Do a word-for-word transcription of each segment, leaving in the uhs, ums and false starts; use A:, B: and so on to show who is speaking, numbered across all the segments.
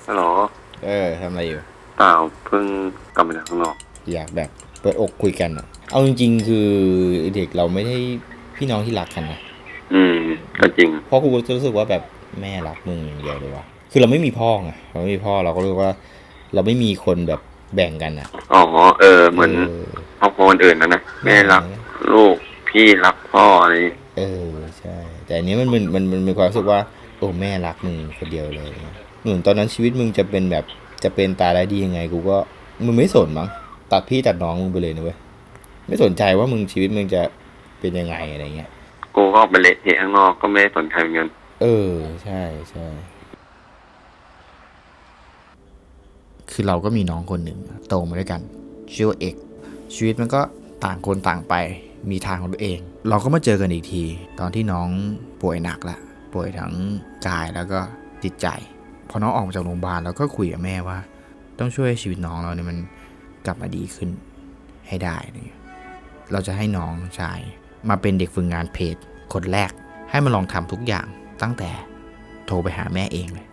A: ฮัลโหล
B: เออทำอะไรอยู่
A: เปล่าเพิ่งกลับมาจากข้างนอก
B: อยากแบบเปิดอกคุยกันอะเอาจริงๆคือเด็กเราไม่ได้พี่น้องที่รักกันนะ
A: อืมก็จริง
B: เพราะกูรู้สึกว่าแบบแม่รักมึงอย่างเดียวเลยว่ะคือเราไม่มีพ่อไงเราไม่มีพ่อเราก็รู้ว่าเราไม่มีคนแบบแบ่งกันอะ
A: อ๋อเออเห
B: เอ
A: มือน
B: อ
A: ครอบครัวคนอื่นนะนะ
B: ไม่เหมือน
A: แม่รักลูกพี่รักพ่ออะไรอย่างงี้
B: เออใช่แต่อันนี้มันมันมันมันมีความรู้สึกว่าโอ้แม่รักมึงคนเดียวเลยเหมือนตอนนั้นชีวิตมึงจะเป็นแบบจะเป็นตายร้ายดียังไงกูก็มึงไม่สนมั้งตัดพี่ตัดน้องมึงไปเลยนะเว้ยไม่สนใจว่ามึงชีวิตมึงจะเป็นยังไงอะไรเงี้ย
A: กูก็ออกไปเละเทะข้างนอกก็ไม่ได้สนใจเหมือนกัน
B: เออใช่ใช่คือเราก็มีน้องคนหนึ่งโตมาด้วยกันชื่อว่าเอกชีวิตมันก็ต่างคนต่างไปมีทางของตัวเองเราก็มาเจอกันอีกทีตอนที่น้องป่วยหนักละป่วยทั้งกายแล้วก็จิตใจพอน้องออกมาจากโรงพยาบาลเราก็คุยกับแม่ว่าต้องช่วยชีวิตน้องเราเนี่ยมันกลับมาดีขึ้นให้ได้เนี่ยเราจะให้น้องชายมาเป็นเด็กฝึกงานเพจคนแรกให้มาลองทำทุกอย่างตั้งแต่โทรไปหาแม่เองเลย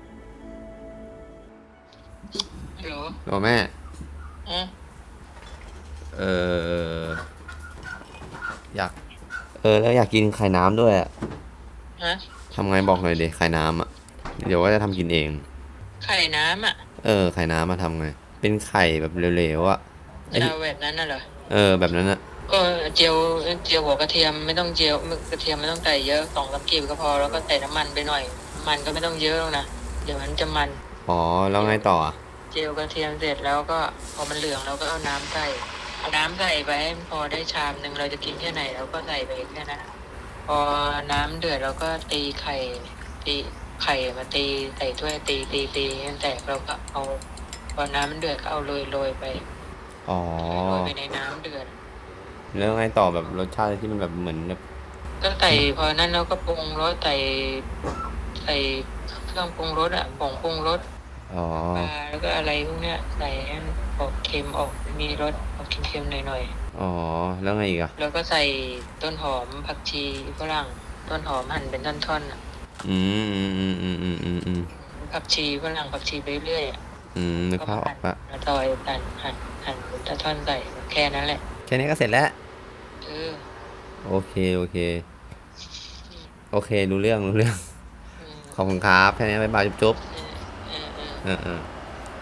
C: ฮัลโหล
A: โอ้แม่
C: อ่ะ
A: เอออยากเออแล้วอยากกินไข่น้ำด้วยอะ
C: ฮะ
A: ทำไงบอกหน่อยดิไข่น้ำอ่ะเดี๋ยวว่าจะทำกินเอง
C: ไข่น้ำอ่ะ
A: เออไข่น้ำมาทำไงเป็นไข่แบบเหลวๆอ่ะไอ
C: จะ
A: ที่
C: เอาแบบนั้นน่ะเหรอ
A: เออแบบนั้นอ่ะ
C: ก็เจียวเจียวหัวกระเทียมไม่ต้องเจียวกระเทียมไม่ต้องใส่เยอะสองสามกีบก็พอแล้วก็ใส่น้ำมันไปหน่อยมันก็ไม่ต้องเยอะหรอกนะเดี๋ยวมันจะมัน
A: อ๋อแล้วไงต่ออ่ะ
C: เจียวกระเทียมเสร็จแล้วก็พอมันเหลืองเราก็เอาน้ำใส่เอาน้ำใส่ไปให้พอได้ชามหนึ่งเราจะกินแค่ไหนเราก็ใส่ไปแค่นั้นพอน้ำเดือดเราก็ตีไข่ตีไข่มาตีใส่ถ้วยตีตีตีให้แตกเราก็เอาพอน้ำมันเดือดก็เอาโรยโรยไป
A: อ๋อ
C: โรยไปในน้ำเดือด
A: แล้วไงต่อแบบรสชาติที่มันแบบเหมือนแบบ
C: ก็ใส่พอนั้นเราก็ปรุงรสใส่ใส่เครื่องปรุงรสอะผงปรุงรส
A: อ๋อ
C: ปลาแล้วก็อะไรพวกเนี้ยใส่ให้มันออกเค็มออกมีรสออกเค็มๆหน่อย
A: อ๋อแล้วไงอีกอ่ะ
C: ๆแล้วก็ใส่ต้นหอมผักชีฝรั่งต้นหอมหั่นเป็นท่อนๆอะ
A: อืมอืมอืมอืมอืมอืม
C: ผักชีฝรั่งผักชีไปเรื่อยอะ
A: อืมนึก
C: ก็มาหั่น
A: ภาพออกละ
C: มาซอยหั่นหั่นหั่นเป็นท่อนๆใส่แค่นั้นแหละ
A: แค่นี้ก็เสร็จแล้ว
C: เออ
A: โอเคโอเคโอเครู้เรื่องรู้เรื่อง
C: อืม
A: ขอบคุณครับแค่นี้บ๊ายบายจุ๊บ
C: เออเออเออ
A: ๆเออเออ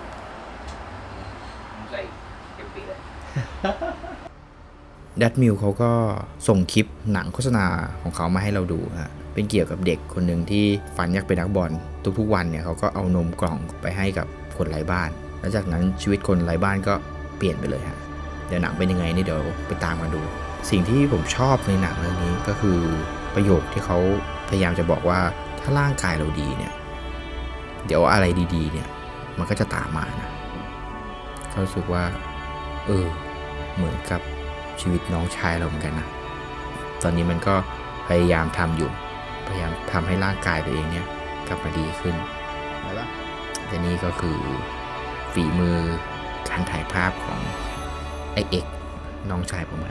B: ดัตมิลเขาก็ส่งคลิปหนังโฆษณาของเขามาให้เราดูฮะเป็นเกี่ยวกับเด็กคนหนึ่งที่ฝันอยากเป็นนักบอลทุกๆวันเนี่ยเขาก็เอานมกล่องไปให้กับคนไร้บ้านแล้วจากนั้นชีวิตคนไร้บ้านก็เปลี่ยนไปเลยฮะเดี๋ยวหนังเป็นยังไงนี่เดี๋ยวไปตามมาดู สิ่งที่ผมชอบในหนังเรื่องนี้ก็คือประโยคที่เขาพยายามจะบอกว่าถ้าร่างกายเราดีเนี่ยเดี๋ยวอะไรดีๆเนี่ยมันก็จะตามมานะเขารู้สึกว่าเออเหมือนกับชีวิตน้องชายเราเหมือนกันนะตอนนี้มันก็พยายามทำอยู่พยายามทำให้ร่างกายตัวเองเนี่ยกลับมาดีขึ้นแล้วแต่นี่ก็คือฝีมือการถ่ายภาพของไอเอกน้องชายผมอะ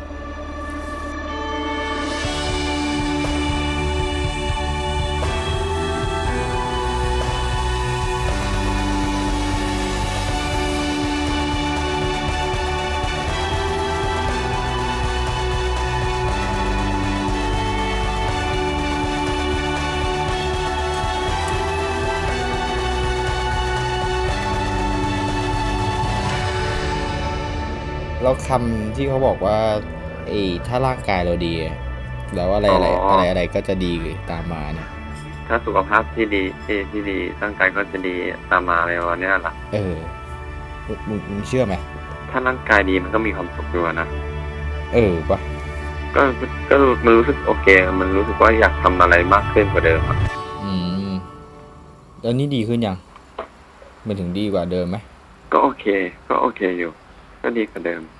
B: แล้วคำที่เขาบอกว่าไอ้ถ้าร่างกายเราดีแล้วอะไร
A: อ๋อ
B: อะไรอะไรอะไรก็จะดีตามมาเนี่ย
A: ถ้าสุขภาพที่ดีที่ที่ดีร่างกายก็จะดีตามมาอะไรวันนี้ล่ะ
B: เออมึงมึงมึงเชื่อไหม
A: ถ้าร่างกายดีมันก็มีความสุขอยู่นะ
B: เออปะ
A: ก็ก็มันรู้สึกโอเคมันรู้สึกว่าอยากทำอะไรมากขึ้นกว่าเดิมอ่ะ
B: อืมแล้วนี่ดีขึ้นยังมันถึงดีกว่าเดิมไหม
A: ก็โอเคก็โอเคอยู่ก็ดีกว่าเดิม